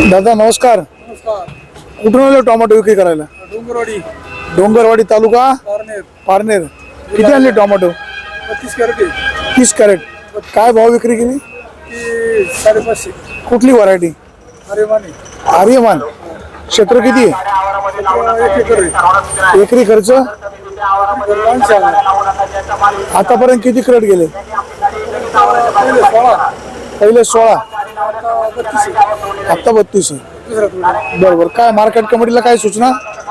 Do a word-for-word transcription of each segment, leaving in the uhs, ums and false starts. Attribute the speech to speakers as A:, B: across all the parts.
A: दादा नमस्कार.
B: नमस्कार.
A: कुठून आले टोमॅटो विक्री करायला?
B: डोंगरवाडी
A: डोंगरवाडी तालुका
B: पारनेर.
A: पारनेर. किती आणले टोमॅटो?
B: बत्तीस कॅरेट
A: तीस कॅरेट. काय भाव विक्री केली?
B: ती साडेपाचशे.
A: कुठली व्हरायटी?
B: अरे माने
A: आर्यमान. क्षेत्र किती आहे?
B: एक एकर आहे.
A: एकरी खर्च
B: दोनशे आहे.
A: आतापर्यंत किती क्रेट गेले?
B: पहिले सोळा,
A: पहिले सोळा,
B: आता बत्तीस आहे.
A: आता बत्तीस आहे.
B: दुसरा थोडा.
A: बरोबर. काय मार्केट कमिटीला काय सूचना?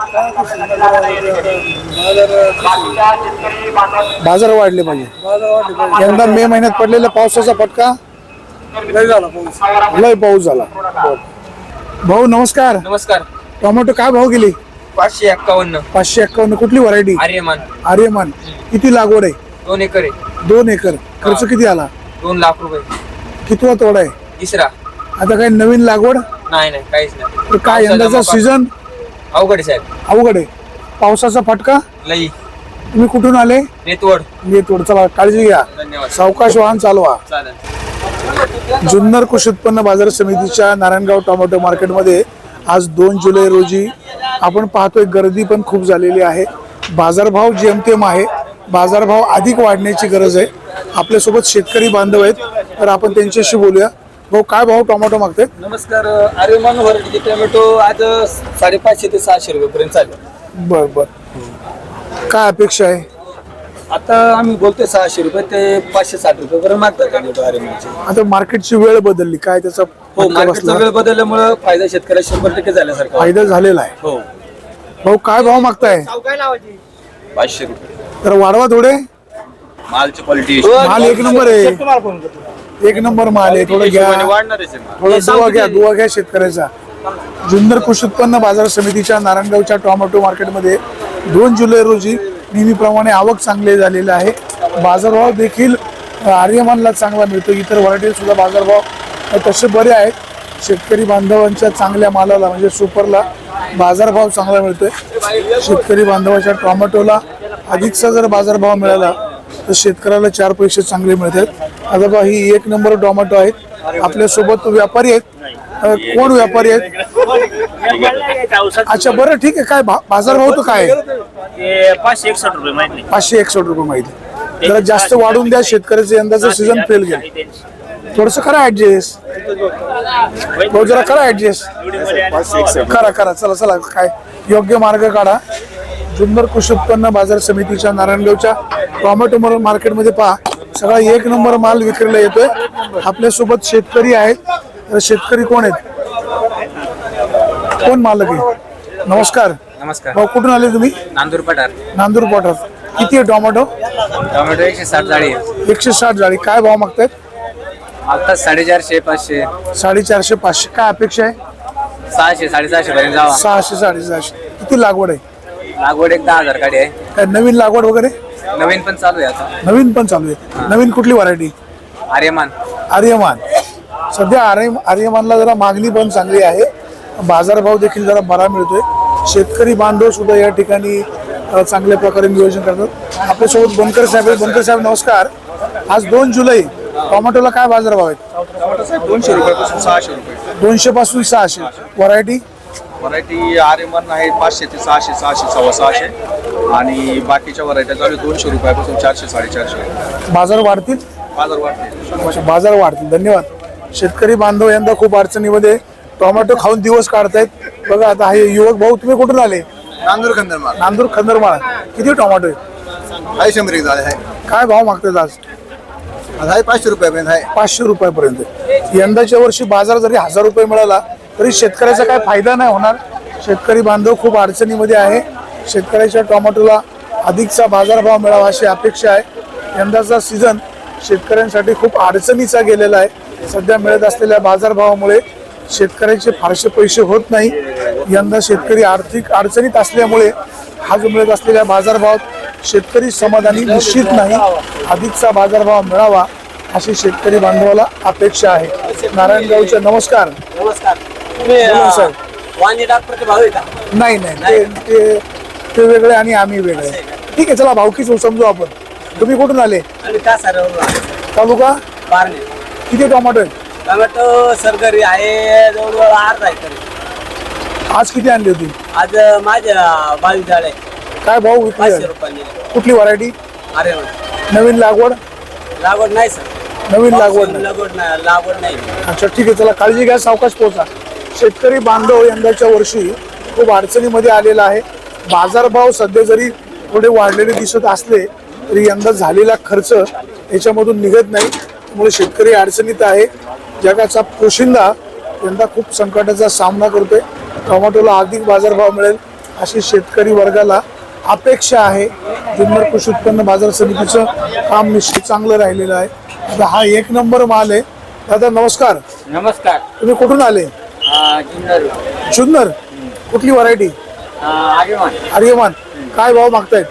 A: बाजार वाढले पाहिजे.
B: बाजार वाढले पाहिजे.
A: यंदा मे महिन्यात पडलेला पावसाचा फटका
B: लय झाला पाऊस.
A: लय पाऊस झाला. भाऊ नमस्कार.
C: नमस्कार.
A: टोमॅटो काय भाव गेली?
C: पाचशे एक्कावन्न.
A: पाचशे एक्कावन्न. कुठली व्हरायटी?
C: आर्यमान.
A: आर्यमान. किती लागवड आहे?
C: दोन एकर आहे.
A: दोन एकर. खर्च किती आला?
C: दोन लाख रुपये.
A: कितवा तोडा आहे?
C: तिसरा.
A: आता काही नवीन लागवड?
C: नाही नाही काहीच नाही.
A: तर काय यंदाचा सीझन
C: अवघड आहे साहेब.
A: अवघड आहे. पावसाचा फटका.
C: लई.
A: तुम्ही कुठून आले?
C: नेतवड.
A: मी तोड. चला काळजी घ्या.
C: धन्यवाद.
A: सावकाश वाहन चालवा.
C: चालेल.
A: जुन्नर कृषी उत्पन्न बाजार समितीच्या नारायणगाव टोमॅटो मार्केटमध्ये आज दोन जुलै रोजी आपण पाहतोय गर्दी पण खूप झालेली आहे. बाजारभाव जेमतेम आहे. बाजारभाव अधिक वाढण्याची गरज आहे. आपल्यासोबत शेतकरी बांधव आहेत, तर आपण त्यांच्याशी बोलूया. भाऊ काय भाव टोमॅटो मागतायत?
B: नमस्कार. आर्यमान व्हरायटीचे टोमॅटो आज साडेपाचशे ते सहाशे रुपये पर्यंत चालेल.
A: बर बर. काय अपेक्षा आहे?
B: आता आम्ही बोलतोय सहाशे रुपये ते पाचशे साठ रुपये पर्यंत मागतात टोमॅटो आर्यमानचे.
A: आता मार्केटची वेळ बदलली, काय त्याचा
B: हो,
A: फटका
B: मार्केटचा
A: बसला?
B: वेळ बदलल्यामुळे फायदा शेतकऱ्याला शंभर टक्के झाल्यासारखा.
A: फायदा झालेला आहे.
B: हो.
A: भाऊ काय भाव मागताय?
C: पाचशे रुपये.
A: तर वाढवा थोडे.
C: मालची क्वालिटी
A: माल एक नंबर आहे. एक नंबर माल आहे. थोडं घ्या.
C: वाढणार आहे.
A: थोडा दुवा घ्या. दुवा घ्या शेतकऱ्याचा. जुन्नर कृषी उत्पन्न बाजार समितीच्या नारायणगावच्या टोमॅटो मार्केटमध्ये दोन जुलै रोजी नेहमीप्रमाणे आवक चांगली झालेली आहे. बाजारभाव देखील आर्यमानला चांगला मिळतो. इतर व्हरायटी सुद्धा बाजारभाव तसे बरे आहेत. शेतकरी बांधवांच्या चांगल्या मालाला म्हणजे सुपरला बाजारभाव चांगला मिळतोय. शेतकरी बांधवाच्या टोमॅटोला अधिकचा जर बाजारभाव मिळाला तर शेतकऱ्याला चार पैसे चांगले मिळतात. आता बघा ही एक नंबर टोमॅटो आहेत. आपल्यासोबत व्यापारी आहेत. अ, कोण व्यापारी आहेत? अच्छा बरं ठीक आहे. काय भा- बाजारभाव तर काय आहे?
D: पाचशे एकसष्ट रुपये माहिती
A: पाचशे एकसष्ट रुपये माहिती. जरा जास्त वाढून द्या. शेतकऱ्याचं यंदाचं सीझन फेल गेलं. थोडस करा ऍडजस्ट. भाऊ जरा करा ऍडजस्ट. करा करा. चला चला. काय योग्य मार्ग काढा. जुन्नर कृषी उत्पन्न बाजार समितीच्या नारायणगावच्या टोमॅटो मार्केटमध्ये पहा सगळा एक नंबर माल विक्रीला येतोय. आपल्यासोबत शेतकरी आहेत. तर शेतकरी कोण आहेत? कोण मालक आहे? नमस्कार.
C: नमस्कार.
A: भाऊ कुठून आले तुम्ही?
C: नांदूर पठार.
A: नांदूर पठार. किती आहे टोमॅटो?
C: टोमॅटो एकशे साठ जाळी आहे.
A: एकशे साठ जाळी. काय भाव मागतायत?
C: आता साडेचारशे पाचशे
A: साडेचारशे पाचशे. काय अपेक्षा आहे?
C: सहाशे साडेसहाशे पर्यंत जावा.
A: सहाशे साडेसहाशे. किती लागवड आहे?
C: लागवड एक दहा हजार गाडी आहे.
A: काय नवीन लागवड वगैरे?
C: नवीन पण चालू आहे आता.
A: नवीन पण चालू आहे. नवीन कुठली व्हरायटी?
C: आर्यमान.
A: आर्यमान. सध्या आर्य आर्यमानला जरा मागणी पण चांगली आहे. बाजारभाव देखील जरा बरा मिळतोय. शेतकरी बांधव सुद्धा या ठिकाणी अ, चांगल्या प्रकारे नियोजन करतात. आपल्यासोबत बनकर साहेब आहेत. बनकर साहेब नमस्कार. आज दोन जुलै टोमॅटोला काय बाजारभाव आहेत?
B: दोनशे रुपयापासून सहाशे रुपये.
A: दोनशे पासून सहाशे. व्हरायटी?
B: व्हरायटी आर्यमान आहे पाचशे ते सहाशे सहाशे सव्वा सहाशे आणि बाकीच्या व्हरायट्या चालू दोनशे रुपयापासून चारशे साडेचारशे.
A: बाजार वाढतील.
B: बाजार वाढते.
A: बाजार वाढतील. धन्यवाद. शेतकरी बांधव यंदा खूप अडचणीमध्ये टोमॅटो खाऊन दिवस काढतायत. बघा आता हे युवक भाऊ तुम्ही कुठून आले?
B: नांदूर खंदरमाल.
A: नांदूर खंदरमाळ. किती टोमॅटो आहे?
B: आहे शंभर एक झाले आहे.
A: काय भाव मागतात आज?
B: आज आहे पाचशे रुपयापर्यंत आहे.
A: पाचशे रुपयापर्यंत. यंदाच्या वर्षी बाजार जरी हजार रुपये मिळाला तरी शेतकऱ्याचा काय फायदा नाही होणार. शेतकरी बांधव खूप अडचणीमध्ये आहे. शेतकऱ्याच्या टोमॅटोला अधिकचा बाजारभाव मिळावा अशी अपेक्षा आहे. यंदाचा सीझन शेतकऱ्यांसाठी खूप अडचणीचा गेलेला आहे. सध्या मिळत असलेल्या बाजारभावामुळे शेतकऱ्याचे फारसे पैसे होत नाही. यंदा शेतकरी आर्थिक अडचणीत असल्यामुळे हा जो मिळत असलेल्या बाजारभावात शेतकरी समाधानी निश्चित नाही. अधिकचा बाजारभाव मिळावा अशी शेतकरी बांधवाला अपेक्षा आहे. नारायणगावचे नमस्कार.
D: नमस्कार.
A: बोला साहेब.
D: वांगे डॉक्टरचे भाव आहे का?
A: नाही नाही ते- ते ते वेगळे आणि आम्ही वेगळे. ठीक आहे चला भावकीच समजू आपण. तुम्ही कुठून आले?
D: आणि का सर
A: तालुका?
D: पारणे.
A: किती टोमॅटो आहेत?
D: टोमॅटो सरकारी आहे जवळजवळ अर्धा एकर आहे.
A: आज किती आणली होती?
D: आज माझ्या बावीस झाड आहे.
A: काय भाव विकली
D: पाचशे
A: आहे?
D: रुपयांनी.
A: कुठली व्हरायटी?
D: अरे
A: नवीन लागवड?
D: लागवड नाही सर.
A: नवीन लागवड नाही.
D: लागवड नाही लागवड नाही.
A: अच्छा ठीक आहे, चला काळजी घ्या, सावकाश पोहोचा. शेतकरी बांधव यंदाच्या वर्षी खूप अडचणीमध्ये आलेला आहे. बाजारभाव सध्या जरी थोडे वाढलेले दिसत असले तरी यंदा झालेला खर्च याच्यामधून निघत नाही, त्यामुळे शेतकरी अडचणीत आहे. जगाचा पोशिंदा यंदा खूप संकटाचा सामना करतोय. टोमॅटोला अधिक बाजारभाव मिळेल अशी शेतकरी वर्गाला अपेक्षा आहे. जुन्नर कृषी उत्पन्न बाजार समितीचं काम निश्चित चांगलं राहिलेलं आहे. आता हा एक नंबर माल आहे. दादा नमस्कार,
C: नमस्कार.
A: तुम्ही कुठून आले?
C: जुन्नर
A: जुन्नर. कुठली व्हरायटी?
C: आर्यमान.
A: आर्यमान. काय भाव मागतायत?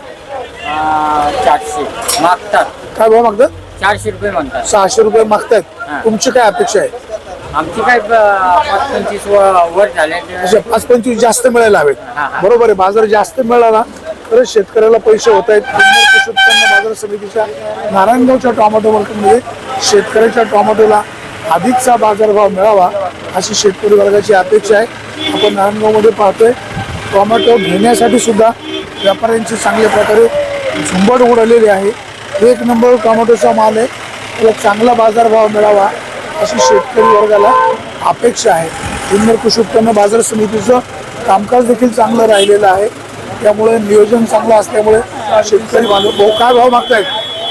C: चारशे मागतात.
A: काय भाव मागतात?
C: चारशे रुपये म्हणतात.
A: सहाशे रुपये मागतायत.
C: हा.
A: तुमची काय अपेक्षा आहे?
C: आमची काय पाच पंचवीस वर झाले.
A: अशा पाच पंचवीस जास्त मिळायला हवेत.
C: हा, हा.
A: बरोबर आहे, बाजार जास्त मिळाला तरच शेतकऱ्याला पैसे होत आहेत. जुन्नर कृषी उत्पन्न बाजार समितीच्या नारायणगावच्या टोमॅटो मार्केटमध्ये शेतकऱ्याच्या टोमॅटोला अधिकचा बाजारभाव मिळावा अशी शेतकरी वर्गाची अपेक्षा आहे. आपण नारायणगावमध्ये पाहतोय टोमॅटो घेण्यासाठी सुद्धा व्यापाऱ्यांची चांगल्या प्रकारे झुंबड उडालेली आहे. एक नंबर टोमॅटोचा माल आहे, त्याला चांगला बाजारभाव मिळावा अशी शेतकरी वर्गाला अपेक्षा आहे. जुन्नर कृषी उत्पन्न बाजार समितीचं कामकाज देखील चांगलं राहिलेलं आहे, त्यामुळे नियोजन चांगलं असल्यामुळे शेतकरी बांधव भाऊ काय भाव मागतायत?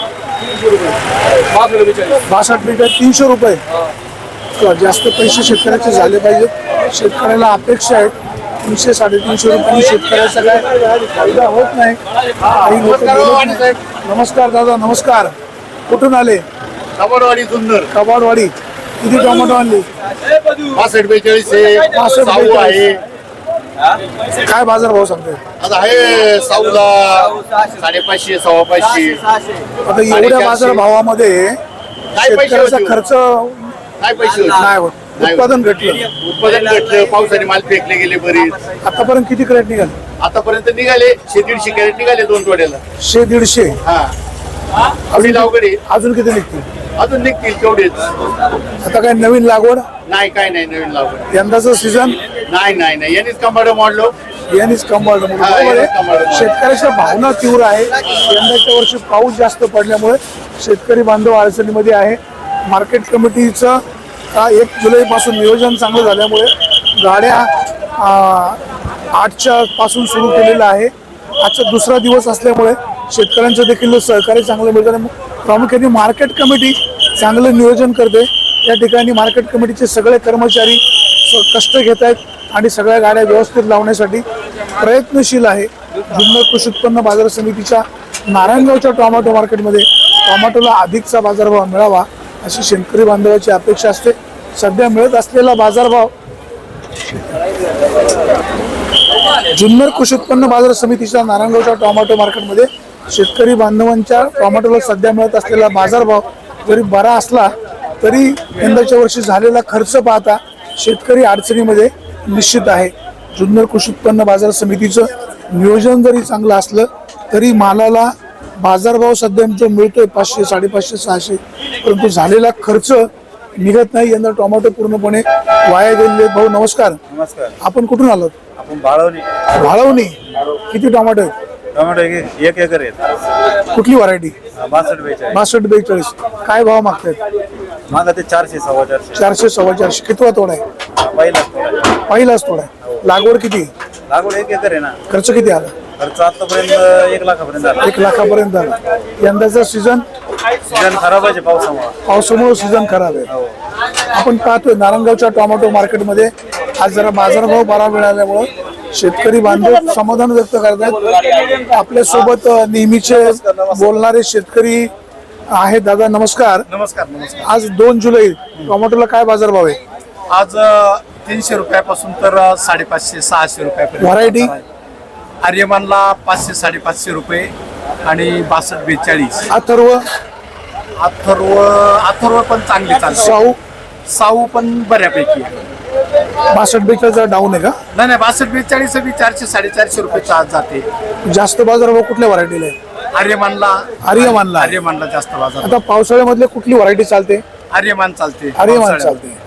A: बासष्ट मीटर तीनशे रुपये. जास्त पैसे शेतकऱ्याचे झाले पाहिजेत. शेतकऱ्याला अपेक्षा आहे तीनशे साडेतीनशे रुपयांनी शेतकऱ्याचा काय फायदा होत नाही. काही लोक बोलत नाहीत. नमस्कार दादा, नमस्कार. कुठून आले?
E: कबाडवाडी जुन्नर.
A: कबाडवाडी. किती टोमॅटो आणली?
E: पासष्ट बेचाळीस आहे.
A: पासष्ट
E: साऊ
A: बेचाळीस.
E: आहे.
A: काय बाजार भाव सांगताय?
E: आता आहे साऊला साडेपाचशे सव्वा पाचशे.
A: आता एवढ्या बाजार भावामध्ये शेतकऱ्याचा
E: होतील?
A: खर्च
E: काय पैसे होते?
A: नाही होत.
E: नाही.
A: उत्पादन घटलं.
E: उत्पादन घटलं, पावसाने माल फेकले गेले बरेच.
A: आतापर्यंत किती क्रेट निघाले?
E: आतापर्यंत निघाले शे दीडशे कॅरेट निघाले दोन टोड्याला.
A: शे दीडशे.
E: हा
A: अजून
E: अवघड अवघड आहे.
A: अजून किती निघतील?
E: अजून निघतील तेवढेच.
A: आता काय नवीन लागवड?
E: नाही काय नाही नवीन लागवड.
A: यंदाचं सीझन
E: नाही नाही नाही यांनीच कंबाड मोडलो.
A: यांनीच कंबाळ.
E: हा, यांनीच कंबाळ.
A: शेतकऱ्याच्या भावना तीव्र आहे. यंदाच्या वर्षी पाऊस जास्त पडल्यामुळे शेतकरी बांधव अडचणीमध्ये आहे. मार्केट कमिटीचं का एक जुलै पासून नियोजन चांगलं झाल्यामुळे गाड्या आ, आठच्या पासून सुरू केलेलं आहे. आजचा दुसरा दिवस असल्यामुळे शेतकऱ्यांचं देखील सहकार्य चांगलं मिळतं. प्रामुख्याने मार्केट कमिटी चांगलं नियोजन करते. या ठिकाणी मार्केट कमिटीचे सगळे कर्मचारी स- कष्ट घेत आहेत आणि सगळ्या गाड्या व्यवस्थित लावण्यासाठी प्रयत्नशील आहे. जुन्नर कृषी उत्पन्न बाजार समितीच्या नारायणगावच्या टोमॅटो मार्केटमध्ये टोमॅटोला अधिकचा बाजारभाव मिळावा अशी शेतकरी बांधवाची अपेक्षा असते. सध्या मिळत असलेला बाजारभाव जुन्नर कृषी उत्पन्न बाजार समितीच्या नारायणगावच्या टोमॅटो मार्केटमध्ये शेतकरी बांधवांच्या टोमॅटोला सध्या मिळत असलेला बाजारभाव जरी बरा असला तरी यंदाच्या वर्षी झालेला खर्च पाहता शेतकरी अडचणीमध्ये निश्चित आहे. जुन्नर कृषी उत्पन्न बाजार समितीचं नियोजन जरी चांगलं असलं तरी मालाला बाजारभाव सध्या जो मिळतोय पाचशे साडेपाचशे सहाशे, परंतु झालेला खर्च निघत नाही. यंदा टोमॅटो पूर्णपणे वाया गेलेले. भाऊ नमस्कार.
F: नमस्कार.
A: आपण कुठून आलो?
F: आपण बाळवणी.
A: भाळवणी. किती टोमॅटो आहेत?
F: टोमॅटो एक एक एकर आहेत.
A: कुठली व्हरायटी?
F: बासष्ट बेचाळीस.
A: बासष्ट बेचाळीस. काय भाव मागतायत?
F: माझा ते चारशे सव्वा चारशे.
A: चारशे सव्वा चारशे. कितवा तोडा आहे?
F: पहिलाच तोडा.
A: पहिलाच तोडा आहे. लागवड किती?
F: लागवड एक एकर आहे ना.
A: खर्च किती आला?
F: खर्च आतापर्यंत एक लाखापर्यंत झाला.
A: एक लाखापर्यंत आला. यंदाचा सीझन
F: सीजन खराब आहे पावसामुळे.
A: पावसामुळे सीझन खराब आहे. आपण पाहतोय नारायणगावच्या टोमॅटो मार्केटमध्ये आज जरा बाजारभाव बरा मिळाल्यामुळे शेतकरी बांधव समाधान व्यक्त करतात. आपल्यासोबत नेहमीचे बोलणारे शेतकरी आहेत. दादा नमस्कार.
E: नमस्कार नमस्कार.
A: आज दोन जुलै टोमॅटोला काय बाजारभाव आहे?
E: आज तीनशे रुपयापासून तर साडेपाचशे सहाशे रुपयापर्यंत.
A: व्हरायटी?
E: आर्यमानला पाचशे साडेपाचशे रुपये आणि बासष्ट बेचाळीस.
A: अथर्व?
E: अथर्व अथर्व पण चांगली चालते.
A: साऊ?
E: साऊ पण बऱ्यापैकी आहे.
A: बासष्ट बेचाळीस डाऊन आहे का?
E: नाही नाही बासष्ट बेचाळीस बी चारशे साडेचारशे रुपये चार्ज जाते.
A: जास्त बाजारभाव कुठल्या व्हरायटीला आहे?
E: आर्यमानला
A: आर्यमानला.
E: आर्यमानला जास्त बाजार.
A: आता पावसाळ्यामधले कुठली व्हरायटी चालते?
E: आर्यमान चालते.
A: आर्यमान
E: पावसाळ्यात.
A: चालते.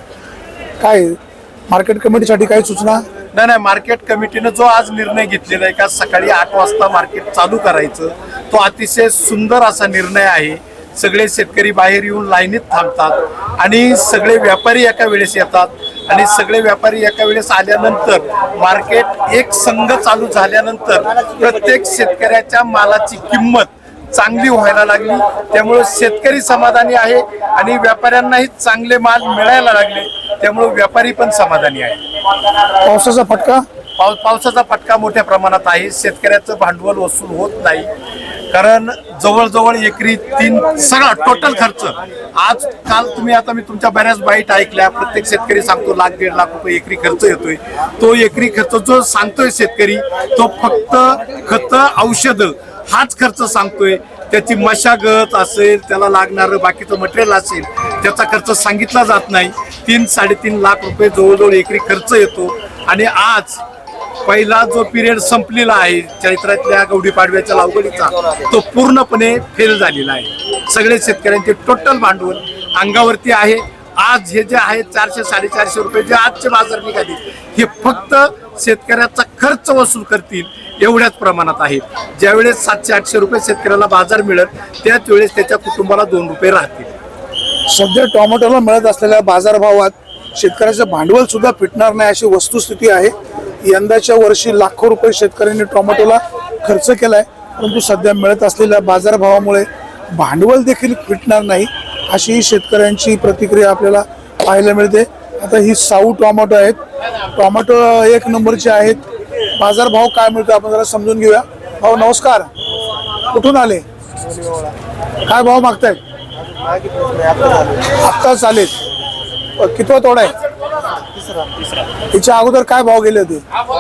A: काय मार्केट कमिटीसाठी काही सूचना?
E: नाही नाही मार्केट कमिटीनं जो आज निर्णय घेतलेला आहे का सकाळी आठ वाजता मार्केट चालू करायचं, तो अतिशय सुंदर असा निर्णय आहे. सगळे शेतकरी बाहेर येऊन लाईनीत थांबतात आणि सगळे व्यापारी एका वेळेस येतात आणि सगळे व्यापारी एका वेळेस आल्यानंतर मार्केट एक संघ चालू झाल्यानंतर प्रत्येक शेतकऱ्याच्या मालाची किंमत चांगली व्हायला लागली. त्यामुळे शेतकरी समाधानी आहे आणि व्यापाऱ्यांनाही चांगले माल मिळायला लागले, त्यामुळे व्यापारी पण समाधानी आहे.
A: पावसाचा फटका?
E: पाऊस पावसाचा फटका मोठ्या प्रमाणात आहे. शेतकऱ्याचं भांडवल वसूल होत नाही, कारण जवळजवळ एकरी तीन सगळा टोटल खर्च आज काल तुम्ही आता मी तुमच्या बऱ्याच बाईट ऐकल्या. प्रत्येक शेतकरी सांगतो लाख दीड लाख रुपये एकरी खर्च येतोय. तो एकरी खर्च जो सांगतोय शेतकरी तो फक्त खतं औषधं हाच खर्च सांगतोय. त्याची मशागत असेल, त्याला लागणारं बाकीचं मटेरियल असेल, त्याचा खर्च सांगितला जात नाही. तीन साडेतीन लाख रुपये जवळजवळ एकरी खर्च येतो. आणि आज पहिला जो पिरियड संपलेला आहे चैत्रातल्या गुढीपाडव्याच्या लागवडीचा, तो पूर्णपणे फेल झालेला आहे. सगळे शेतकऱ्यांचे टोटल भांडवल अंगावरती आहे. आज हे जे आहे चारशे साडेचारशे रुपये जे आजचे बाजार निघाले, हे फक्त शेतकऱ्याचा खर्च वसूल करतील एवढ्याच प्रमाणात आहे. ज्यावेळेस सातशे आठशे रुपये शेतकऱ्याला बाजार मिळेल, त्याच वेळेस त्याच्या कुटुंबाला दोन रुपये राहतील.
A: सध्या टोमॅटोला मिळत असलेल्या बाजारभावात शेतकऱ्याचं भांडवल सुद्धा फिटणार नाही अशी वस्तुस्थिती आहे. यंदाच्या वर्षी लाखो रुपये शेतकऱ्यांनी टोमॅटोला खर्च केलाय, परंतु सध्या मिळत असलेल्या बाजारभावामुळे भांडवल देखील फिटणार नाही अशी शेतकऱ्यांची प्रतिक्रिया आपल्याला पाहायला मिळते. आता ही साऊ टोमॅटो आहेत, टोमॅटो एक नंबरचे आहेत. बाजारभाव काय मिळतो आपण जरा समजून घेऊया. भाऊ नमस्कार, कुठून आले? काय भाव मागतायत? आत्ता चालेल. कितवा तोडा आहे? तिच्या अगोदर काय भाव गेले होते?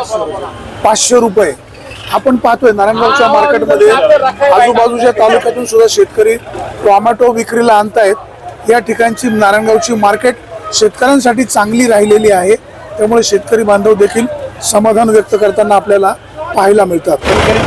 A: पाचशे रुपये. आपण पाहतोय नारायणगावच्या मार्केटमध्ये आजूबाजूच्या तालुक्यातून सुद्धा शेतकरी टोमॅटो विक्रीला आणतायत. या ठिकाणची नारायणगावची मार्केट शेतकऱ्यांसाठी चांगली राहिलेली आहे, त्यामुळे शेतकरी बांधव देखील समाधान व्यक्त करताना आपल्याला पाहायला मिळतात.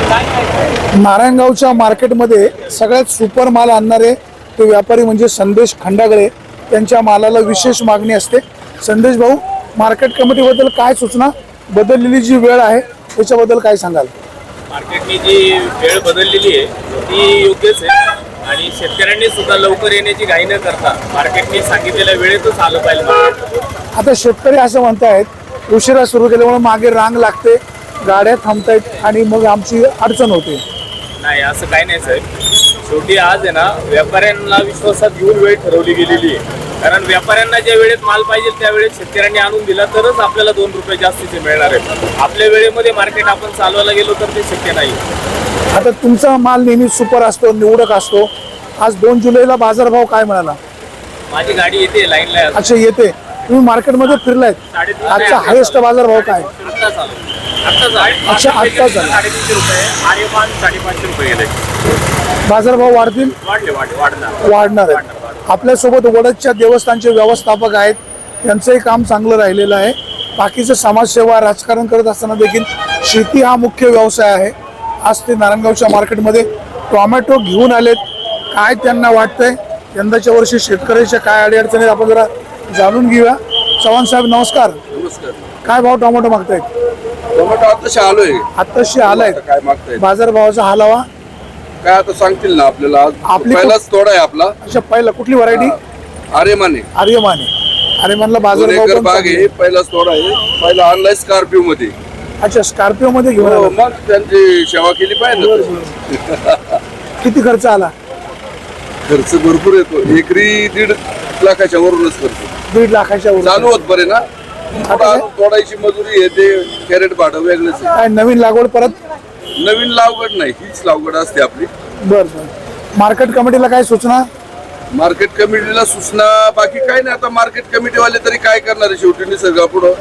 A: नारायणगावच्या मार्केटमध्ये सगळ्यात सुपर माल आणणारे ते व्यापारी म्हणजे संदेश खंडागळे. त्यांच्या मालाला विशेष मागणी असते. संदेश भाऊ, मार्केट कमिटीबद्दल काय सूचना? बदललेली जी वेळ आहे त्याच्याबद्दल काय सांगाल?
G: मार्केटनी जी वेळ बदललेली आहे ती योग्यच आहे आणि शेतकऱ्यांनी सुद्धा लवकर येण्याची घाई न करता मार्केटने सांगितलेल्या वेळेतच आलं पाहिजे.
A: आता शेतकरी असं म्हणतायत उशिरा सुरू केल्यामुळे मागे रांग लागते, गाड्या थांबतायत आणि मग आमची अडचण होते.
G: नाही, असं काही नाही साहेब. शेवटी आज आहे ना व्यापाऱ्यांना विश्वासात घेऊन वेळ ठरवली गेलेली आहे. कारण व्यापाऱ्यांना ज्या वेळेत माल पाहिजे त्या वेळेत शेतकऱ्यांनी आणून दिला तरच आपल्याला दोन रुपये जास्तीचे मिळणार आहेत. आपल्या वेळेमध्ये मार्केट आपण चालवायला गेलो तर ते शक्य नाही.
A: आता तुमचा माल नेहमी सुपर असतो, निवडक असतो. आज दोन जुलैला बाजारभाव काय मिळाला?
G: माझी गाडी येते लाईनला.
A: अच्छा, येते. तुम्ही मार्केटमध्ये फिरलायत, आजचा हायेस्ट बाजारभाव काय?
G: आत्ता चालू आत्ता
A: अच्छा, आत्ता चालू.
G: साडेतीनशे रुपये आर्यमान साडेपाचशे रुपये गेले.
A: बाजारभाव वाढतील?
G: वाढले वाढले वाढणार
A: वाढणार आहेत. आपल्यासोबत वडदच्या देवस्थानचे व्यवस्थापक आहेत, त्यांचंही काम चांगलं राहिलेलं आहे. बाकीचं समाजसेवा राजकारण करत असताना देखील शेती हा मुख्य व्यवसाय आहे. आज ते नारायणगावच्या मार्केटमध्ये टोमॅटो घेऊन आलेत. काय त्यांना वाटतंय यंदाच्या वर्षी शेतकऱ्याच्या काय अडीअडचणी आपण जरा जाणून घेऊया. चव्हाण साहेब नमस्कार.
B: नमस्कार.
A: काय भाव टोमॅटो मागतायत?
B: टोमॅटो आताशी आलोय.
A: आत्ताशी आलाय.
B: काय मागतायत?
A: बाजारभावाचा हालावा
B: काय आता सांगतील ना आपल्याला.
A: आपली
B: पहिलाच तोडा आहे आपला.
A: अच्छा, पहिला कुठली व्हरायटी?
B: आर्यमाने.
A: आर्यमान आहे. आर्यमानला
B: दोन
A: बाजारभाव
B: एकर
A: पण
B: बाग
A: चांगले.
B: आहे. पहिलाच तोडा आहे. पहिला आणलाय स्कॉर्पिओ मध्ये.
A: अच्छा, स्कॉर्पिओ मध्ये घेऊन
B: हो,
A: आला.
B: मग त्यांची सेवा केली पाहिजे ना.
A: किती खर्च आला?
B: खर्च भरपूर येतो. एकरी दीड लाखाच्या वरूनच खर्च.
A: दीड लाखाच्या वर.
B: चालू होत बरे ना. थोडा तोडायची मजुरी आहे, ते कॅरेट भाडं वेगळंच आहे.
A: काय नवीन लागवड परत?
B: नवीन लावगड नाही, हीच लावगड असते आपली.
A: बर बर. मार्केट कमिटीला काय सूचना?
B: मार्केट कमिटीला सूचना बाकी काय नाही. आता मार्केट कमिटीवाले तरी काय करणार आहे? शेवटी निसर्गापुढं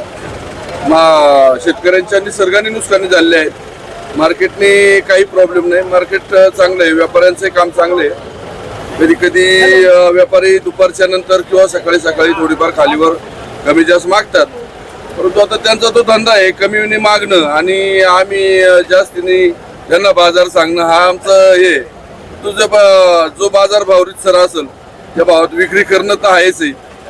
B: मा शेतकऱ्यांच्या निसर्गाने नुकसानी झालेले आहेत. मार्केटने काही प्रॉब्लेम नाही. मार्केट चांगलं आहे. व्यापाऱ्यांचं काम चांगलं आहे. कधी कधी व्यापारी दुपारच्या नंतर किंवा सकाळी सकाळी थोडीफार खालीवर कमी जास्त मागतात, परंतु आता त्यांचा तो धंदा आहे कमीने मागणं आणि आम्ही जास्तीने त्यांना बाजार सांगणं हा आमचं हे. तुझं जो बाजार भाव रितसर असेल त्या भावात विक्री करणं तर आहेच आहे.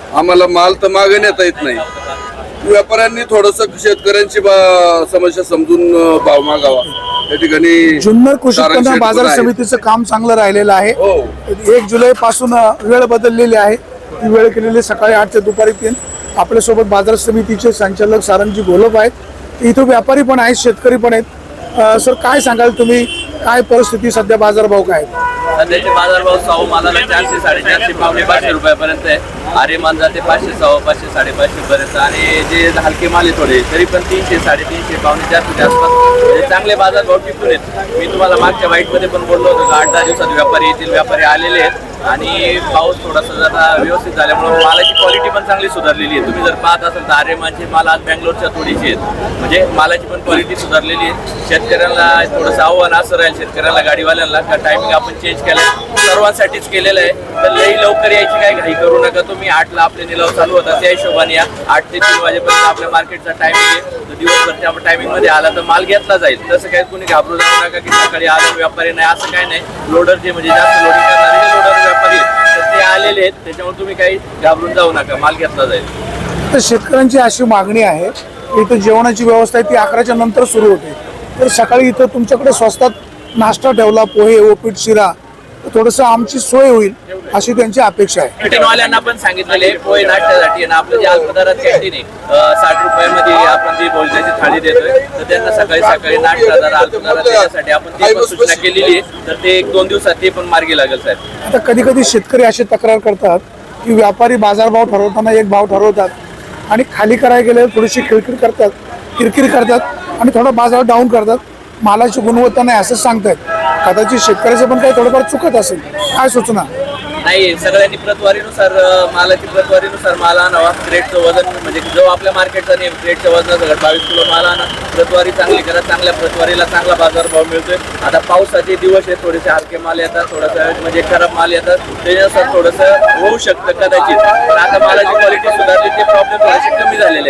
B: आम्हाला माल तर मागे नेता येत नाही. व्यापाऱ्यांनी थोडस शेतकऱ्यांची बा- समस्या समजून अं, भाव मागावा. त्या ठिकाणी
A: जुन्नर कृषी
B: सारंग
A: उत्पन्न
B: शेठ
A: बाजार
B: पण आहेत.
A: समितीचं काम चांगलं राहिलेलं आहे.
B: हो.
A: एक जुलै पासून वेळ बदललेली आहे. ती वेळ केलेली सकाळी आठ ते दुपारी तीन. आपल्यासोबत बाजार समितीचे संचालक सारंगजी घोलप आहेत. इथं व्यापारी पण आहेत, शेतकरी पण आहेत. अं, सर काय सांगाल तुम्ही, काय परिस्थिती सध्या, बाजारभाव काय आहेत?
D: सध्याचे बाजारभाव साऊ मालाला चारशे साडेचारशे पावणे पाचशे रुपयापर्यंत आहे. आर्यमान जाते पाचशे सव्वा पाचशे साडेपाचशे पर्यंत आणि जे हलके माल आहे थोडे तरी पण तीनशे साडेतीनशे पावणे चारशे आसपास म्हणजे चांगले बाजारभाव टिकून आहेत. मी तुम्हाला मागच्या वाईटमध्ये पण बोललो होतो आठ दहा दिवसात व्यापारी येथील व्यापारी आलेले आहेत आणि पाऊस थोडासा जरा व्यवस्थित झाल्यामुळे मालाची क्वालिटी पण चांगली सुधारलेली आहे. तुम्ही जर पाहत असाल तर आर्यमानचे माल आज बँगलोरच्या थोडीशी आहेत, म्हणजे मालाची पण क्वालिटी सुधारलेली आहे. शेतकऱ्यांना थोडंसं आव्हान असं राहील शेतकऱ्यांना गाडीवाल्यांना का टायमिंग आपण चेंज केला सर्वांसाठीच केलेलं आहे. तर लई लवकर यायची काही घाई करू नका तुम्ही. आठला आपले निलाव चालू होता त्या हिशोबाने या. आठ ते तीन वाजेपर्यंत आपल्या मार्केटचा टायमिंग आहे. तर दिवसभरच्या टायमिंग मध्ये आला तर माल घेतला जाईल. तसं काही कोणी घाबरू जाऊ नका की सकाळी आला व्यापारी नाही, असं काही नाही. लोडर जे म्हणजे जास्त लोडिंग करणारे जे लोडर व्यापारी आहेत तर ते आलेले आहेत, त्याच्यामुळे तुम्ही काही घाबरून जाऊ नका, माल घेतला जाईल.
A: तर शेतकऱ्यांची अशी मागणी आहे की इथं जेवणाची व्यवस्था आहे ती अकराच्या नंतर सुरू होते. तर सकाळी इथं तुमच्याकडे स्वस्तात नाश्ता ठेवला, पोहे, उपीट, शिरा, तर थोडंसं आमची सोय होईल अशी त्यांची अपेक्षा आहे.
D: कॅन्टीनवाल्यांना पण सांगितलेले पोहे नाश्त्यासाठी ना आपलं जे अल्पदरात कॅन्टीन आहे अं, साठ रुपयामध्ये आपण जी भोजनाची थाळी देतोय तर त्यांना सकाळी सकाळी नाश्ता दर अल्पदरात देण्यासाठी आपण ती पण सूचना केलेली आहे. तर ते एक दोन दिवसात ते पण मार्गी लागेल साहेब.
A: आता कधी कधी शेतकरी अशी तक्रार करतात की व्यापारी बाजारभाव ठरवताना एक भाव ठरवतात आणि खाली करायला गेले थोडीशी खिळखिळ करतात, किरकिर करतात आणि थोडा बाजार डाऊन करतात. मालाची गुणवत्ता नाही असं सांगतायत. कदाचित शेतकऱ्याचं पण काही थोडंफार चुकत असेल, काय सूचना?
D: नाही, सगळ्यांनी प्रतवारीनुसार अं, मालाची प्रतवारीनुसार माल आणावा. क्रेटचं वजन म्हणजे जो आपल्या मार्केटचा नियम क्रेटच्या वजनासकट बावीस किलो माल आणा. प्रतवारी चांगली करा, चांगल्या प्रतवारीला चांगला बाजारभाव मिळतोय. आता पावसाचे दिवस आहेत, थोडेसे हलके माल येतात, थोडंसं म्हणजे खराब माल येतात, त्याच्यानुसार थोडंसं होऊ शकतं कदाचित. पण आता मालाची क्वालिटी सुधारली, ते प्रॉब्लेम थोडेसे कमी झालेले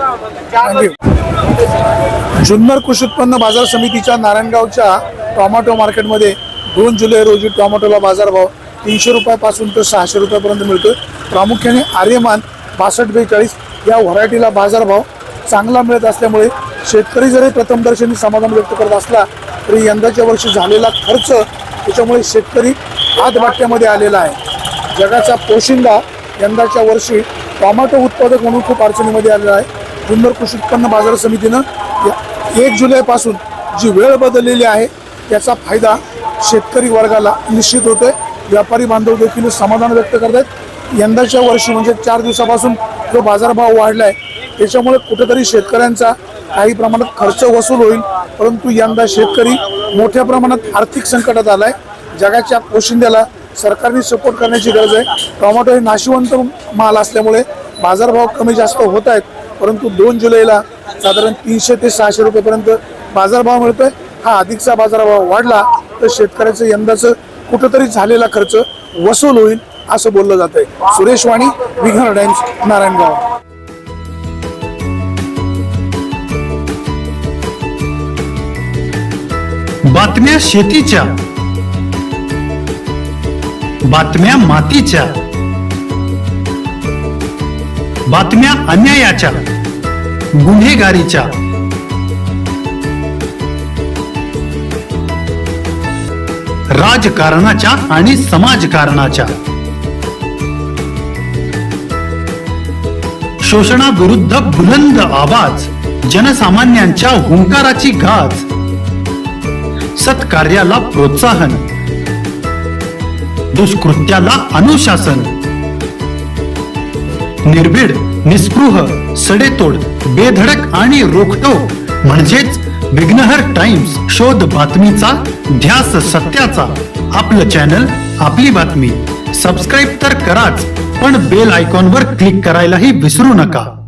D: आहेत.
A: थँक्यू. जुन्नर कृषी उत्पन्न बाजार समितीच्या नारायणगावच्या टोमॅटो मार्केटमध्ये दोन जुलै रोजी टोमॅटोला बाजारभाव तीनशे रुपयापासून तर सहाशे रुपयापर्यंत मिळतोय. प्रामुख्याने आर्यमान बासष्ट बेचाळीस या व्हरायटीला बाजारभाव चांगला मिळत असल्यामुळे शेतकरी जरी प्रथमदर्शनी समाधान व्यक्त करत असला तरी यंदाच्या वर्षी झालेला खर्च त्याच्यामुळे शेतकरी हातबाट्यामध्ये आलेला आहे. जगाचा पोशिंदा यंदाच्या वर्षी टोमॅटो उत्पादक म्हणून खूप अडचणीमध्ये आलेला आहे. जुन्नर कृषी उत्पन्न बाजार समितीनं एक जुलैपासून जी वेळ बदललेली आहे त्याचा फायदा शेतकरी वर्गाला निश्चित होतोय. व्यापारी बांधव देखील समाधान व्यक्त करतात. यंदाच्या वर्षी म्हणजे चार दिवसापासून जो बाजारभाव वाढला आहे त्याच्यामुळे कुठेतरी शेतकऱ्यांचा काही प्रमाणात खर्च वसूल होईल, परंतु यंदा शेतकरी मोठ्या प्रमाणात आर्थिक संकटात आला आहे. जगाच्या पोशिंद्याला सरकारने सपोर्ट करण्याची गरज आहे. टोमॅटो हे नाशिवंत माल असल्यामुळे बाजारभाव कमी जास्त होत आहेत, परंतु दोन जुलैला साधारण तीनशे ते सहाशे रुपयेपर्यंत बाजारभाव मिळतोय. हा अधिकचा बाजारभाव वाढला तर शेतकऱ्याचं यंदाचं कुठंतरी झालेला खर्च वसूल होईल असं बोललं जात आहे. सुरेश वाणी, विघ्नर टाइम्स, नारायणगाव.
H: बातम्या शेतीच्या, बातम्या मातीच्या, बातम्या अन्यायाच्या, गुन्हेगारीच्या, राजकारणाच्या आणि समाजकारणाच्या, शोषणाविरुद्ध बुलंद आवाज, जनसामान्यांच्या हुंकाराची गाज, सत्कार्याला प्रोत्साहन, दुष्कृत्याला अनुशासन, निर्भीड, निस्पृह, सडेतोड, बेधडक आणि रोखटोक म्हणजेच विघ्नहर टाइम्स. शोध बातमीचा, ध्यास सत्याचा. आपलं चॅनल, आपली बातमी. सबस्क्राईब तर कराच, पण बेल आयकॉनवर क्लिक करायलाही विसरू नका.